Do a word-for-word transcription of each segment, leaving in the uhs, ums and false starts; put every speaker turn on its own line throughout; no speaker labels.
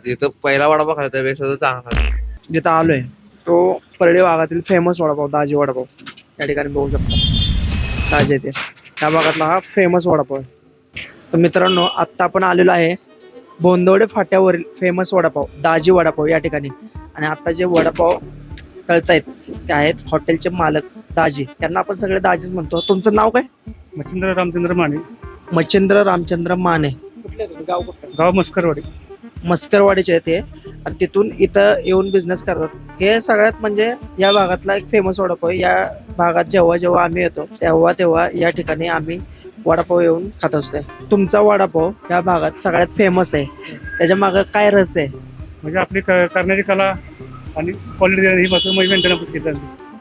जिथं पहिला वडापाव खायचा त्यापेक्षा तो चांगला.
जिथं आलोय तो परळी भागातील फेमस वडापाव दाजी वडापाव या ठिकाणी बघू शकता. दाजी येते त्या भागातला हा फेमस वडापाव आहे. तर मित्रांनो आत्ता आपण आलेलो आहे बोंदवडे फाट्यावरील फेमस वडापाव दाजी वडापाव या ठिकाणी. आणि आता जे वडापाव तळतायत ते आहेत हॉटेलचे मालक दाजी. त्यांना आपण सगळे दाजीच म्हणतो. तुमचं नाव काय?
मच्छिंद्र रामचंद्र माने.
मच्छिंद्र रामचंद्र माने. कुठले गाव कुठलं?
गाव मस्करवाडी.
मस्करवाडीचे आहे ते आणि तिथून इथं येऊन बिझनेस करतात. हे सगळ्यात म्हणजे या भागातला एक फेमस वडापाव आहे. या भागात जेव्हा जेव्हा आम्ही येतो तेव्हा तेव्हा या ठिकाणी आम्ही वडापाव येऊन खात असतोय. तुमचा वडापाव या भागात सगळ्यात फेमस आहे, त्याच्या मागे काय रस आहे?
म्हणजे आपली क- करण्याची कला आणि क्वालिटी ही मात्र मेंटेन आपण केलं.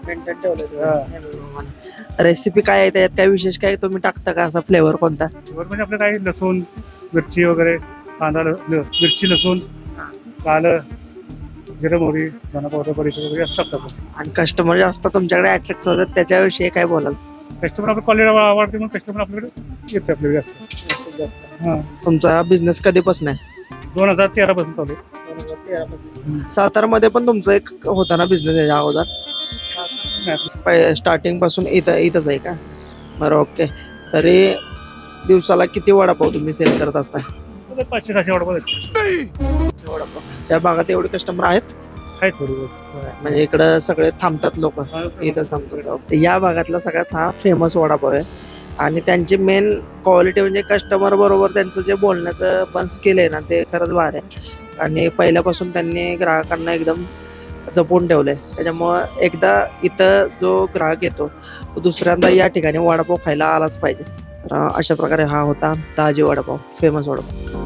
रेसिपी काय आहे त्याच्यात? काय विशेष काय तुम्ही टाकता का? असा फ्लेवर कोणता?
म्हणजे आपलं काही लसूण मिरची वगैरे कांदा ल- ल- मिरची लसूण आलं जिरं मोहरी धना पावडर बडीशेप वगैरे असं टाकतात आपण.
आणि कस्टमर जास्त तुमच्याकडे अट्रॅक्ट होतात त्याच्याविषयी काय बोलाल?
कस्टमर आपली क्वालिटी आवडते म्हणून कस्टमर आपल्याकडे येते आपल्याकडे जास्त. हां
तुमचा बिझनेस कधीपासून आहे?
दोन हजार तेरा पासून चालू आहे.
सातारामध्ये पण तुमचा एक होता ना बिझनेस याच्या अगोदर? स्टार्टिंग पासून इथं इथंच आहे का? बरं ओके. तरी दिवसाला किती वडापाव तुम्ही सेल करत असता?
पाचशे सहाशे वडापाव
वडापाव त्या भागात एवढे कस्टमर आहेत?
आहे थोडी बहुत.
म्हणजे इकडं सगळे थांबतात लोक इथंच थांबतात. या भागातला सगळ्यात हा फेमस वडापाव आहे. आणि त्यांची मेन क्वालिटी म्हणजे कस्टमर बरोबर त्यांचं जे बोलण्याचं पण स्किल आहे ना ते खरंच भारी आहे. आणि पहिल्यापासून त्यांनी ग्राहकांना एकदम जपून ठेवलंय. त्याच्यामुळं एकदा इथं जो ग्राहक येतो तो दुसऱ्यांदा या ठिकाणी वडापाव खायला आलाच पाहिजे. तर अशा प्रकारे हा होता दाजी वडापाव फेमस वडापाव.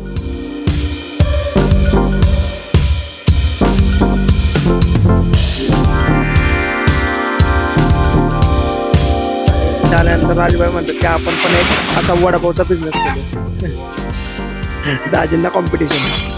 त्यानंतर राजभाई म्हणतात की आपण पण एक असा वडापावचा बिझनेस करू. दाजींना कॉम्पिटिशन.